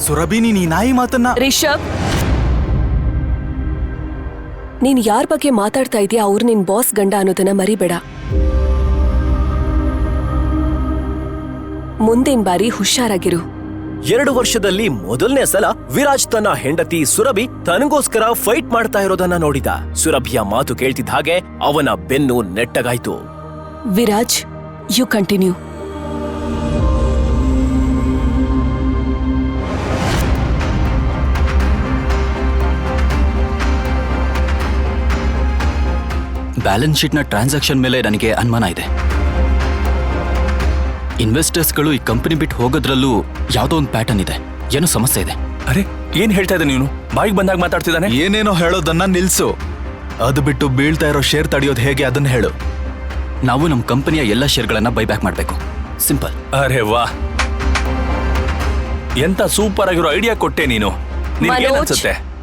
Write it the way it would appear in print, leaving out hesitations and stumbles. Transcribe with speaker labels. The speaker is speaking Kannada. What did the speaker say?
Speaker 1: ಸುರಭಿ, ನೀನ್ ಈ ನಾಯಿ ಮಾತನ್ನ...
Speaker 2: ರಿಷಬ್, ನೀನ್ ಯಾರ್ ಬಗ್ಗೆ ಮಾತಾಡ್ತಾ ಇದೀಯ ಅವ್ರು ನಿನ್ ಬಾಸ್ ಗಂಡ ಅನ್ನೋದನ್ನ ಮರಿಬೇಡ. ಮುಂದಿನ ಬಾರಿ ಹುಷಾರಾಗಿರು.
Speaker 3: 2 ವರ್ಷದಲ್ಲಿ ಮೊದಲನೇ ಸಲ ವಿರಾಜ್ ತನ್ನ ಹೆಂಡತಿ ಸುರಭಿ ತನಗೋಸ್ಕರ ಫೈಟ್ ಮಾಡ್ತಾ ಇರೋದನ್ನ ನೋಡಿದ. ಸುರಭಿಯ ಮಾತು ಕೇಳ್ತಿದ್ದ ಹಾಗೆ ಅವನ ಬೆನ್ನು ನೆಟ್ಟಗಾಯ್ತು.
Speaker 2: Viraj, you continue.
Speaker 1: ಬ್ಯಾಲೆನ್ಸ್ ಶೀಟ್ನ ಟ್ರಾನ್ಸಾಕ್ಷನ್ ಮೇಲೆ ನನಗೆ ಅನುಮಾನ ಇದೆ. ಇನ್ವೆಸ್ಟರ್ಸ್ಗಳು ಈ ಕಂಪನಿ ಬಿಟ್ಟು ಹೋಗೋದ್ರಲ್ಲೂ ಯಾವುದೋ ಒಂದು ಪ್ಯಾಟರ್ನ್ ಇದೆ. ಏನೋ ಸಮಸ್ಯೆ ಇದೆ.
Speaker 4: ಅರೆ, ಏನ್ ಹೇಳ್ತಾ ಇದ್ದ ನೀನು? ಬಾಯಿಗೆ ಬಂದಾಗ ಮಾತಾಡ್ತಿದ್ದಾನೆ.
Speaker 1: ಏನೇನೋ ಹೇಳೋದನ್ನ ನಿಲ್ಸು. ಅದು ಬಿಟ್ಟು ಬೀಳ್ತಾ ಇರೋ ಶೇರ್ ತಡೆಯೋದು ಹೇಗೆ ಅದನ್ನ ಹೇಳು. ನಾವು ನಮ್ಮ ಕಂಪನಿಯ ಎಲ್ಲ ಶೇರ್ಗಳನ್ನ ಬೈಬ್ಯಾಕ್ ಮಾಡಬೇಕು. ಸಿಂಪಲ್.
Speaker 4: ಅರೆ ವಾ, ಎಂತ ಸೂಪರ್ ಆಗಿರೋ ಐಡಿಯಾ ಕೊಟ್ಟೆ ನೀನು. ನಿನ್ಗೆ
Speaker 2: ಮನೋಜ್,
Speaker 4: ಅನ್ಸುತ್ತೆ?